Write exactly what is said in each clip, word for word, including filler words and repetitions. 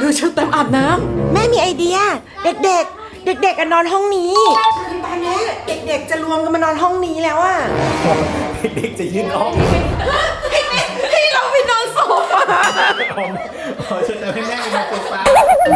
ดูชุดเต็มอาบน้ำแม่มีไอเดียเด็กๆ เด็กๆกันนอนห้องนี้คือตอนนี้เด็กๆจะรวมกันมานอนห้องนี้แล้วอะเด็กจะยืนห้องให้เราไปนอนโซฟาขอเชิญให้แม่ไปนอนโซฟา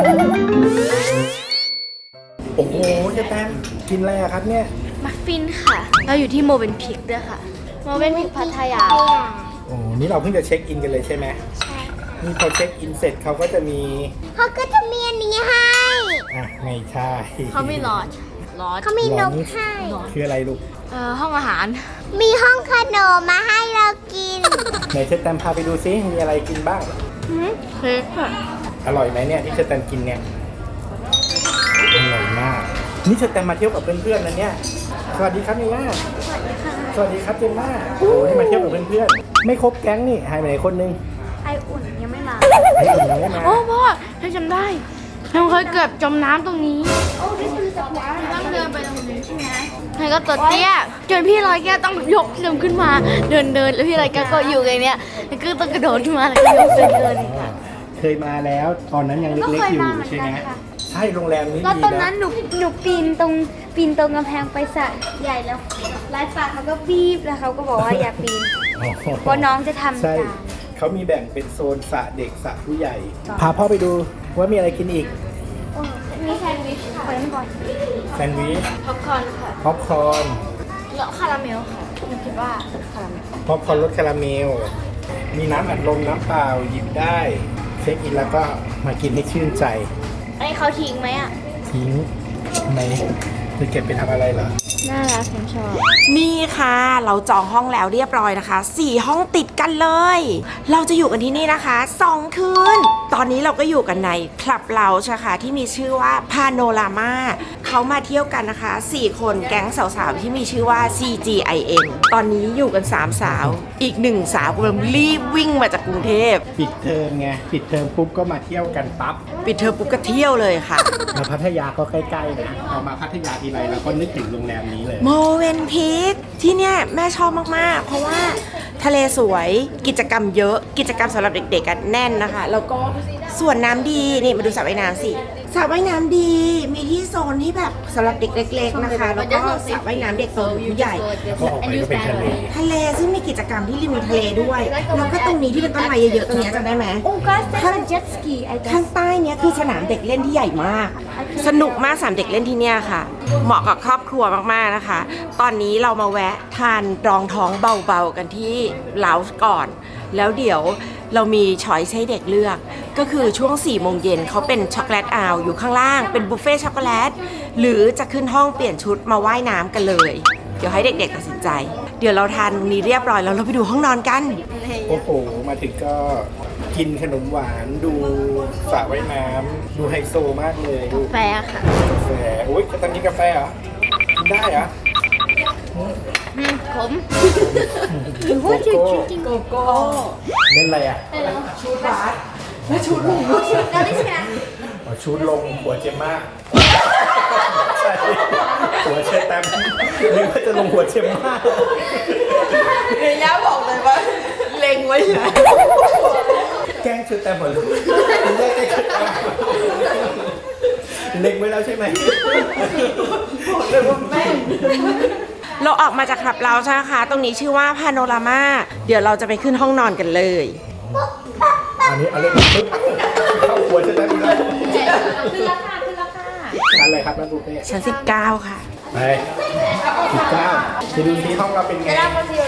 โอ้โหเจ๊แตมกินอะไรอะครับเนี่ยมัฟฟินค่ะเราอยู่ที่โมเวนพิกด้วยค่ะโมเวนพิกพัทยาโอ้นี่เราเพิ่งจะเช็คอินกันเลยใช่ไหมใช่นี่พอเช็คอินเสร็จเขาก็จะมีเขาก็จะมีอันนี้ให้อ่ะไม่ใช่เขามีลอดลอดเขามีนกให้คืออะไรลูกเอ่อห้องอาหารมีห้องขนมมาให้เรากินไหนเชตแตมพาไปดูซิมีอะไรกินบ้างเค้กค่ะอร่อยไหมเนี่ยที่เชตแตมกินเนี่ยอร่อยมากนี่เชตแตมมาเที่ยวกับเพื่อนๆนะเนี่ยสวัสดีครับเนี่ยสวัสดีค่ะสวัสดีครับเจมม่าโอ้นี่มาเที่ยวกับเพื่อนๆไม่ครบแก๊งนี่หายไปไหนคนนึงไออุ่นยังไม่มาไออุ่นยังไม่มาโอ้พ่อฉันจำได้ฉันเคยเกือบจมน้ำตรงนี้โอ้ที่คือสปาร์ต้องเดินไปตรงนี้ใช่ไหมใครก็ตัวเตี้ยจนพี่ลอยแก้วต้องยกเดินขึ้นมาเดินเดินแล้วพี่ลอยแก้วก็อยู่อย่างเนี้ยแล้วก็ต้องกระโดดขึ้นมาแล้วก็ยกเดินเดินเคยมาแล้วตอนนั้นยังเล็กๆอยู่ใช่ไหมใช่โรงแรมนี้ดีนะแล้วตอนนั้นหนูหนูปีนตรงปีนตรงกำแพงไปสระใหญ่แล้วไลฟ์ฟ้าเขาก็บีบแล้วเขาก็บอกว่าอย่าปีนเพราะน้องจะทำตามเขามีแบ่งเป็นโซนสระเด็กสระผู้ใหญ่พาพ่อไปดูว่ามีอะไรกินอีกมีแซนด์วิชค่ะก่อนแซนด์วิชพ็อปคอร์นค่ะพ็อปคอร์นแล้วคาราเมลค่ะหนูคิดว่าคาราเมลพ็อปคอร์นรสคาราเมลมีน้ำอัดลมน้ำเปล่าหยิบได้เช็คอินแล้วก็มากินให้ชื่นใจไอ้เขาทิ้งไหมอ่ะทิ้งทำไมจะเก็บไปทำอะไรเหรอน่ารักฉันชอบนี่ค่ะเราจองห้องแล้วเรียบร้อยนะคะสี่ห้องติดกันเลยเราจะอยู่กันที่นี่นะคะสองคืนตอนนี้เราก็อยู่กันในคลับเราใช่ค่ะที่มีชื่อว่าพาโนรามาเขามาเที่ยวกันนะคะสี่คนแก๊งสาวๆที่มีชื่อว่า ซี จี ไอ เอ็น ตอนนี้อยู่กันสามสาวอีกหนึ่งสาวกำลังรีบวิ่งมาจากกรุงเทพปิดเทอมไงปิดเทอมปุ๊บก็มาเที่ยวกันปั๊บปิดเทอมปุ๊บก็เที่ยวเลยค่ะมาพัทยาก็ใกล้ๆนะเอามาพัทยาทีไรแล้วก็นึกถึงโรงแรมนี้เลยโมเวนพิกที่เนี่ยแม่ชอบมากๆเพราะว่าทะเลสวยกิจกรรมเยอะกิจกรรมสำหรับเด็กๆกันแน่นนะคะแล้วก็ส่วนน้ำดีนี่มาดูสระว่ายน้ำสิสระว่ายน้ำดีมีที่โซนที่แบบสำหรับเด็กเล็กๆนะคะแล้วก็สระว่ายน้ำเด็กโตผู้ใหญ่ทะเลซึ่งมีกิจกรรมที่ริมทะเลด้วยแล้วก็ตรงนี้ที่เป็นต้นไม้เยอะๆตรงนี้จำได้ไหมข้างเจ็ตสกีข้างใต้เนี้ยคือสนามเด็กเล่นที่ใหญ่มากสนุกมากสนามเด็กเล่นที่เนี่ยค่ะเหมาะกับครอบครัวมากๆนะคะตอนนี้เรามาแวะทานรองท้องเบาๆกันที่เลาส์ก่อนแล้วเดี๋ยวเรามีช้อยส์ให้เด็กเลือกก็คือช่วงสี่โมงเย็นเขาเป็นช็อกโกแลตอาวอยู่ข้างล่างเป็นบุฟเฟ่ช็อกโกแลตหรือจะขึ้นห้องเปลี่ยนชุดมาว่ายน้ำกันเลยเดี๋ยวให้เด็กๆตัดสินใจเดี๋ยวเราทานนี้เรียบร้อยแล้วเราไปดูห้องนอนกันโอ้โหมาถึงก็กินขนมหวานดูสระว่ายน้ำดูไฮโซมากเลยกาแฟค่ะกาแฟโอ้ยตอนนี้กาแฟเหรอกินได้เหรออืมขมโกโก้โกโก้เล่นอะไรอ่ะชูดบาสและชูดลงชูดแล้วนี่ใช่ไหมชูดลงหัวเจมม่าใช่หัวเชตแตมนึกว่าจะลงหัวเจมม่าเฮียย่าบอกเลยว่าเล็งไว้แล้วแกล้งเชตแตมหมดเลยแกล้งเชตแตมเล็งไว้แล้วใช่ไหมเลยว่าแม่เราออกมาจากคลับเราใช่ไหมคะตรงนี้ชื่อว่าพาโนรามาเดี๋ยวเราจะไปขึ้นห้องนอนกันเลยอันนี้เอาเล่นปึ๊บเข้าหัวจะได้ไหมขึ้นราคาขึ้นราคาชั้นอะไรครับนักบุฟเฟ่ชั้นสิบเก้าค่ะไปสิบเก้าจะดูที่ห้องเราเป็นไง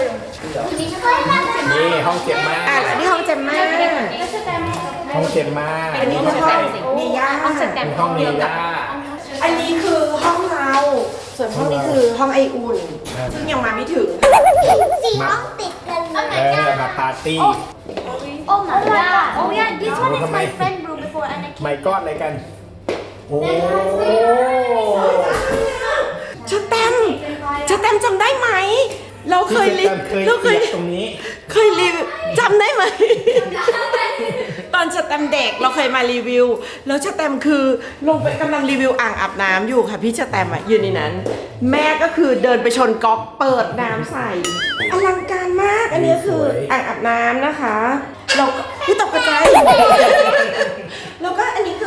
นี่ห้องเจ็บมากอ่ะนี่ห้องเจ็บมากห้องเจ็บมากอันนี้คือห้องเมย่าห้องเมย่าอันนี้คือห้องเราส่วนห้องนี้คือห้องไออุ่นซึ่งยังมาไม่ถึงสี่ห้องติดกันเลยเออมาปาร์ตี้โอ้ my god oh yeah this one is my friend room before and I came ไม่ก้อนอะไรกันโอ้ชแตมชแตมจำได้ไหมเราเคยรีเราเคยตรงนี้เคยรีวิวจำได้ไหมตอนชแตมเด็กเราเคยมารีวิวแล้วชแตมคือลงไปกำลังรีวิวอ่างอาบน้ำอยู่ค่ะพี่ชแตมอ่ะยืนในนั้นแม่ก็คือเดินไปชนก๊อกเปิดน้ำใส่อลังการมากอันนี้คืออ่างอาบน้ำนะคะเราพี่ตกกระจายแล้วก็อันนี้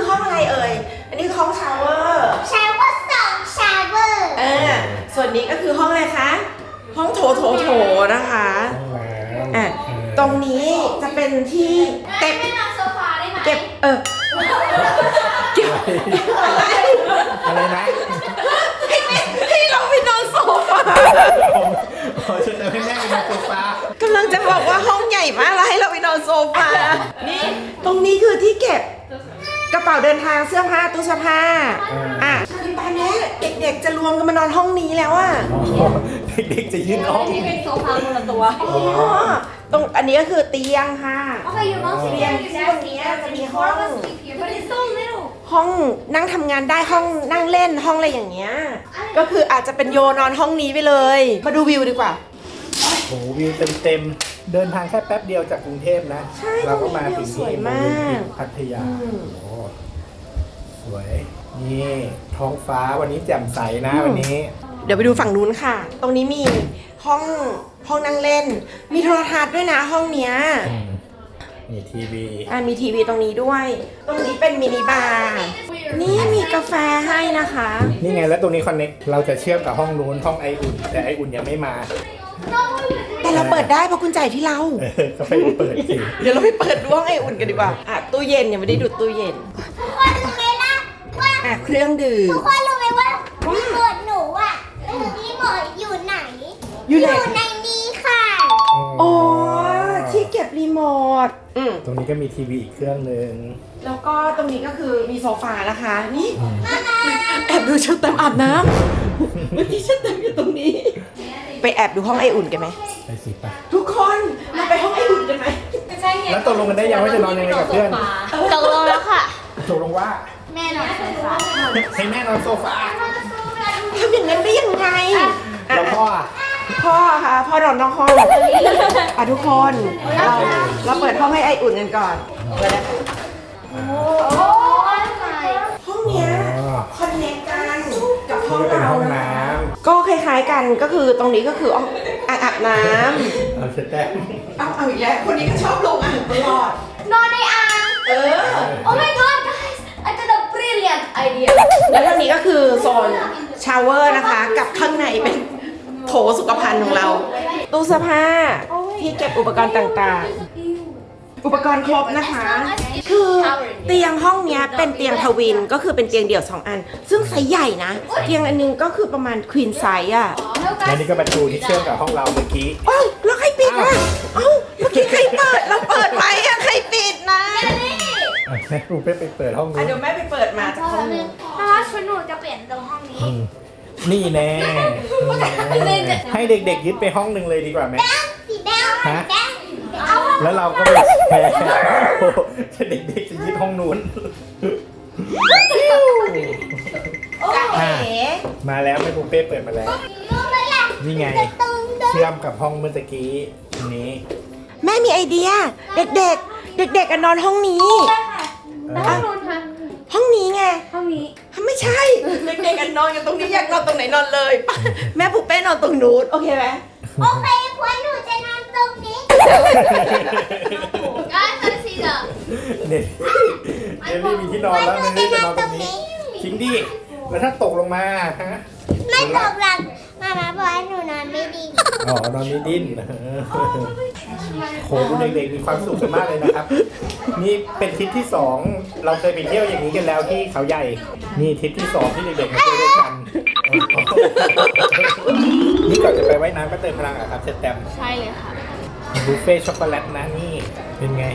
โถนะคะห้องน้ำอ่ะตรงนี้จะเป็นที่เก็บไม่นอนโซฟาได้ไหมเก็บเออเก็บอะไรอะไรนะให้เราไปนอนโซฟาขอเชิญให้แม่ไปนอนโซฟากำลังจะบอกว่าห้องใหญ่มากแล้วให้เราไปนอนโซฟา นี่ตรงนี้คือที่เก็บกระเป๋าเดินทางเสื้อผ้าตู้เสื้อผ้าอ่ะคือตอนนี้เด็กๆจะรวมกันมานอนห้องนี้แล้วอ่ะอ๋อเด็กๆจะยืนห้องที่เป็นโซฟาคนละตัวอ๋อตรงอันนี้ก็คือเตียงค่ะโอเคอยู่น้องสิเตียงที่ตรงนี้จะมีห้อง But it's so little ห้องนั่งทำงานได้ห้องนั่งเล่นห้องอะไรอย่างเงี้ย ก็คืออาจจะเป็นโยนอนห้องนี้ไปเลย มาดูวิวดีกว่าโอ้โหวิวเต็มๆเดินทางแค่แป๊บเดียวจากกรุงเทพนะใช่เราก็มาถึงสวยมากที่พัทยาโอ้สวย นี่ท้องฟ้าวันนี้แจ่มใสนะวันนี้เดี๋ยวไปดูฝั่งนู้นค่ะ ตรงนี้มีห้องห้องนั่งเล่น มีโทรทัศน์ด้วยนะห้องเนี้ยมีทีวีอ่ะมีทีวีตรงนี้ด้วย ตรงนี้เป็นมินิบาร์ นี่มีกาแฟให้นะคะนี่ไงแล้วตรงนี้คอนเน็กเราจะเชื่อมกับห้องนู้นห้องไออุ่น แต่ไออุ่นยังไม่มาแต่เราเปิดได้เพราะกุญแจที่เราเออก็ไปเปิดสิเดี๋ยวเราไปเปิดดูห้องไออุ่นกันดีกว่า อ่ะตู้เย็นยังไม่ได้ดูตู้เย็นทุกคนรู้ไหมล่ะว่าอ่ะเครื่องดื่มทุกคนรู้ไหมว่ารีโมทหนูอ่ะรีโมทอยู่ไหนอยู่ไหนในนี้ค่ะอ๋อที่เก็บรีโมทอืมตรงนี้ก็มีทีวีอีกเครื่องหนึ่งแล้วก็ตรงนี้ก็คือมีโซฟานะคะ นี่แอบดูเชลแตมอาบน้ำเมื่อกี้เชลแตมอยู่ตรงนี้ ไปแอบดูห้องไออุ่นกันไหมไปสิไปทุกคนเราไปห้องไออุ่นกันไหมแล้วตกลงกันได้ยังว่าจะนอนยังไงกับเพื่อนตกลงแล้วค่ะตกลงว่าแม่นอนโซฟาให้แม่นอนโซฟาทำอย่างนั้นได้ยังไงอ่ะแล้วพ่ออะพ่อค่ะพ่อนอนนอกห้องอ่ะทุกคนเราเราเปิดห้องให้ไออุ่นกันก่อนเปิดนะคะโอ้ยไม่ห้องเนี้ยคอนเนคกันกับห้องนี่ก็เป็นเราห้องนะน้ก็คล้ายๆกันก็คือตรงนี้ก็คืออ่างอาบน้ำเอาเสร็จแล้วำเอาเอาอีกแล้วคนนี้ก็ชอบลงอ่างตลอดนอนในอ่างเออ Oh my god guys I got a brilliant idea แล้วทางนี้ก็คือโซนชาวเวอร์นะคะ กับข้างในเป็นโถสุขภัณฑ์ของเรา ตู้เสื้อผ้าที่เก็บอุปกรณ์ต่างๆ อุปกรณ์ครบนะคะ คือเตียงห้องเนี้ยเป็นเตียงทวินก็คือเป็นเตียงเดี่ยวสองอัน ซึ่งไซส์ใหญ่นะ เตียงอันนึงก็คือประมาณควีนไซส์อ่ะแล้วนี่ก็ประตูที่เชื่อมกับห้องเราเมื่อกี้เอ้าแล้วใครปิดอ่ะเอ้าเมื่อกี้ใครเปิดเราเปิดไว้อ่ะใครปิดนะแม่รูเป้ไปเปิดห้องอ่ะนู้นเดี๋ยวแม่ไปเปิดมาจากห้องนู้นเพราะว่าชุดหนูจะเปลี่ยนตรงห้องนี้อืมนี่แน่ให้เด็กๆยึดไปห้องหนึ่งเลยดีกว่าไหมสีแดงฮะแดงเอาแล้วเราก็ไปแชร์โอ้โหเด็กๆจะยึดห้องนู้นจ้าเอ๋มาแล้วแม่รูเป้เปิดมาแล้วรู้ไหมล่ะนี่ไงตึงตึงเชื่อมกับห้องเมื่อตะกี้อันนี้แม่มีไอเดีย เด็กๆ เด็กๆกันนอนห้องนี้เอห้อองนู้นค่ะห้องนี้ไงห้องนี้ไม่ใช่ เด็กๆกันนอนกันตรงนี้อยากนอนตรงไหนนอนเลย ไปแม่ปุ๊เป้นอนตรงนู้นโอเคไหมโอเคพวกหนูจะนอนตรงนี้ Guys let's see the เนี่ยเดลี่มีที่นอนแล้วเดลี่จะนอนตรงนี้จริงดิแล้วถ้าตกลงมาฮะไม่ตกหลังมามาบอกว่าหนูนอนไม่ดีอ๋อนอนไม่ดิ้นโหดูเด็กๆมีความสุขกันมากเลยนะครับ นี่เป็นทริปที่สองเราเคยไปเที่ยวอย่างนี้กันแล้วที่เขาใหญ่ นี่ทริปที่สองที่เด็กๆมาเที่ยวด้วยกัน นี่ก่อนจะไปว่ายน้ำก็เติมพลังอะครับเชตแตมใช่เลยค่ะบุฟเฟ่ต์ช็อกโกแลตนะนี่เป็นไง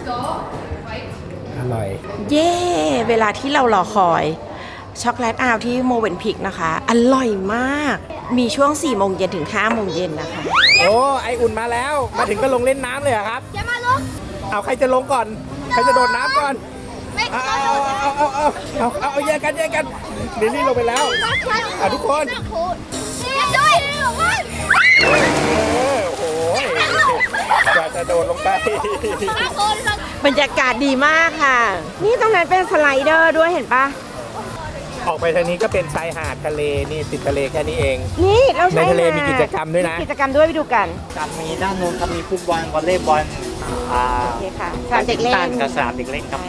อร่อยเย้ เวลาที่เรารอคอยช็อกโกแลตอาวที่โมเวนพิกนะคะ อร่อยมาก มีช่วงสี่โมงเย็นถึงห้าโมงเย็นนะคะโอ้ไออุ่นมาแล้ว มาถึงก็ลงเล่นน้ำเลยเหรอครับอย่ามาลงเอาใครจะลงก่อน ใครจะโดดน้ำก่อนไม่เอาเอาเอาเอาเอาเอาเอาแยกกันแยกกันเดลี่ลงไปแล้วอ่ะทุกคนด้วยเออโอ้โหกว่าจะโดดลงไปบรรยากาศดีมากค่ะ นี่ตรงนั้นเป็นสไลเดอร์ด้วยเห็นปะออกไปทางนี้ก็เป็นชายหาดทะเลนี่ติดทะเลแค่นี้เองนี่เราใช้ในทะเลมีกิจกรรมด้วยนะกิจกรรมด้วยไปดูกันครับมีด้านโน้นครับมีฟุตบอลวอลเลย์บอลอ่าโอเคค่ะสนามเด็กเล่ตันนกับสนามเด็กเล่นครับผม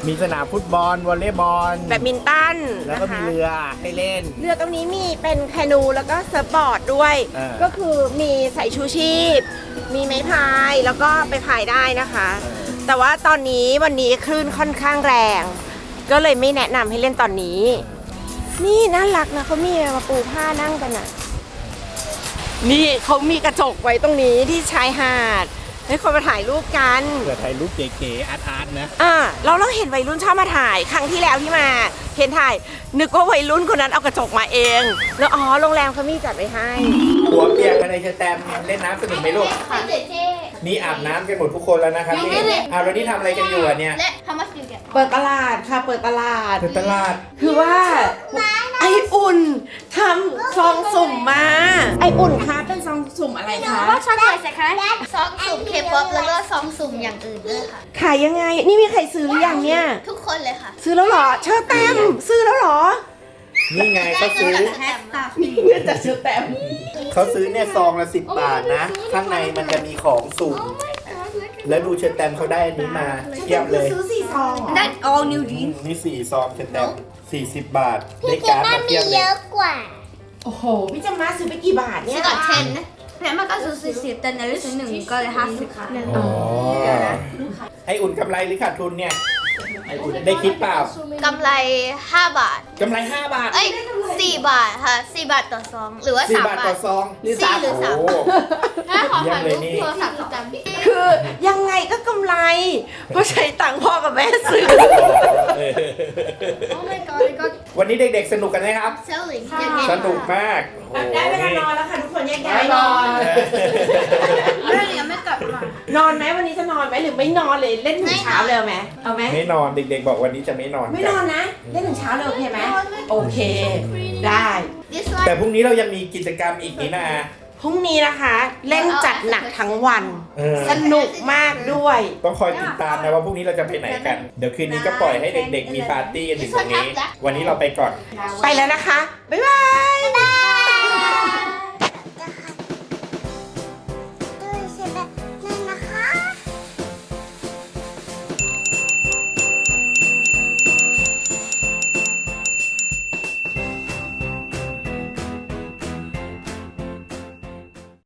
มีสนามฟุตบอลวอลเลย์บอลแบดมินตันแล้วก็นะมีคะเรือให้เล่นเรือตรงนี้มีเป็นแคนูแล้วก็เซิร์ฟบอร์ดด้วยเออก็คือมีใส่ชูชีพ มีไม้พายแล้วก็ไปพายได้นะคะ แต่ว่าตอนนี้วันนี้คลื่นค่อนข้างแรง ก็เลยไม่แนะนำให้เล่นตอนนี้ นี่น่ารักนะเขามีมาปูผ้านั่งกันอ่ะ นี่เขามีกระจกไว้ตรงนี้ที่ชายหาดให้คนมาถ่ายรูปกันเผื่อถ่ายรูปเก๋ๆอาร์ตๆนะอ่าเราเราเห็นวัยรุ่นชอบมาถ่ายครั้งที่แล้วที่มาเห็นถ่าย นึกว่าวัยรุ่นคนนั้นเอากระจกมาเอง แล้วอ๋อโรงแรมเขามีจัดไว้ให้หัวเปียกกันเลยเชอแตมเล่นน้ำสนุกไหมลูกเจ๊เจ๊นี่อาบน้ำกันหมดทุกคนแล้วนะครับนี่อ้าวแล้วนี่ทำอะไรกันอยู่อ่ะเนี่ยและ how much do you get เปิดตลาดค่ะเปิดตลาดคือตลาดคือว่าไออุ่นทำซองสุ่มมา ไออุ่นคะเป็นซองสุ่มอะไรคะว่าช็อกโกแลตสิคะซองสุ่มเคป๊อปแล้วก็ซองสุ่มอย่างอื่นด้วยค่ะขายยังไง นี่มีใครซื้อหรือยังเนี่ยทุกคนเลยค่ะซื้อแล้วเหรอ เชอร์แตมซื้อแล้วเหรอนี่ไงเขาซื้อแฮชแท็กเงินจากเชอร์แตมเขาซื้อเนี่ยซองละสิบบาทนะ ข้างในมันจะมีของสุ่ม แล้วดูเชอแตมเขาได้อันนี้มาเทียบเลยซื้อสี่ซองเหรอ That's all new อื jeans มนี่สี่ซองเชอแตมสี่สิบบาท ได้พี่เจ๊การ์ดน่ามามีเทียบเลเยยอะกว่าโอ้โห พี่จะมาซื้อไปกี่บาทเนี่ซื้ยอกับเทนนะแพรมาก็ซื้อสี่สิบแต่ในลิสต์หนึ่งก็เลยห้าสิบค่ะอ๋อ ไออุ่นกำไรหรือขาดทุนเนี่ย ไออุ่นได้คิดเปล่ากำไรห้าบาทกำไรห้าบาทเอ้ยสี่บาทค่ะสี่บาทต่อซอง หรือว่าสี่สามบาทบาต่อทซองหรือสามหรือสามโอ้ถ้าขอเยี่ยถ่าม ยเลรูยปนี่โทรศัพท์ประจำคือยังไงก็กำไร เพราะใช้ตังค์พ่อกับแม่ซื้อ Oh my god I got วันนี้เด็กๆสนุกกันไหมครับ selling สนุกมากโอ้โหได้เวลานอนแล้วค่ะทุกคนแยกย้ายนอนเรื่องยังไม่กลับมานอนไหมวันนี้จะนอนไหมหรือไม่นอนเลยเล่นถึงเช้าเลยเอาไหมเอาไหมไม่นอนเด็กๆบอกวันนี้จะไม่นอนไม่นอนนะ เล่นถึงเช้าเลยโอเคไหมโอเค ได้ This แต่ one พรุ่งนี้เรายังมีกิจกรรมอีกนี่นะพรุ่งนี้นะคะ เล่นจัดหนักทั้งวันเออสนุกมากด้วยต้องคอยติดตามนะว่าพรุ่งนี้เราจะไปไหนกัน เดี๋ยวคืนนี้ก็ปล่อยให้เด็กๆมีปาร์ตี้กันถึงตรงนี้ วันนี้เราไปก่อนไปแล้วนะคะ บ๊ายบาย